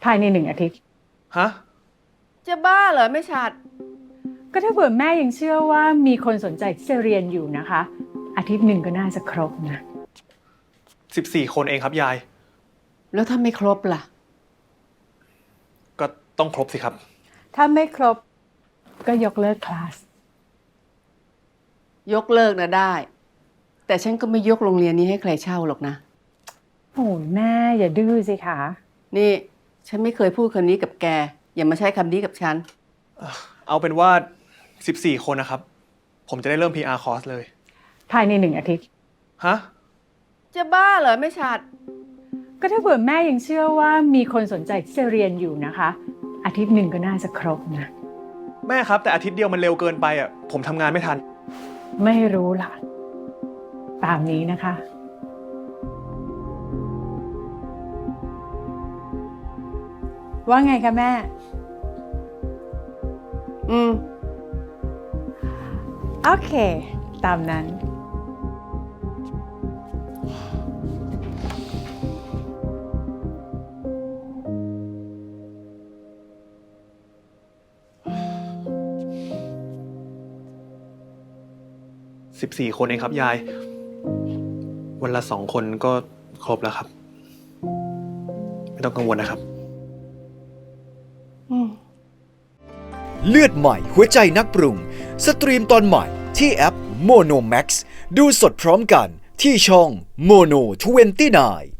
ายใน1 อาทิตย์ฮะจะบ้าเหรอไม่ชัดก็ถ้าเผื่อแม่ยังเชื่อว่ามีคนสนใจที่จะเรียนอยู่นะคะ อาทิตย์หนึ่งก็น่าจะครบนะ 14 คนเองครับยายแล้วถ้าไม่ครบล่ะก็ต้องครบสิครับถ้าไม่ครบก็ยกเลิกคลาสยกเลิกนะได้ แต่ฉันก็ไม่ยกโรงเรียนนี้ให้ใครเช่าหรอกนะโอ้ยแม่อย่าดื้อสิคะนี่ฉันไม่เคยพูดคำนี้กับแกอย่ามาใช้คำนี้กับฉันเอาเป็นว่า14 คนนะครับผมจะได้เริ่ม PR คอร์สเลยภายใน1 อาทิตย์ฮะจะบ้าเหรอไม่ชัดก็ถ้าเผื่อแม่ยังเชื่อว่ามีคนสนใจที่จะเรียนอยู่นะคะ อาทิตย์หนึ่งก็น่าจะครบนะแม่ครับแต่อาทิตย์เดียวมันเร็วเกินไปอ่ะผมทำงานไม่ทันไม่รู้ล่ะตามนี้นะคะว่าไงคะแม่โอเคตามนั้น 14 คนเองครับยายวันละ2 คนก็ครบแล้วครับไม่ต้องกังวลนะครับเลือดใหม่หัวใจนักปรุงสตรีมตอนใหม่ที่แอป Mono Max ดูสดพร้อมกันที่ช่อง Mono 29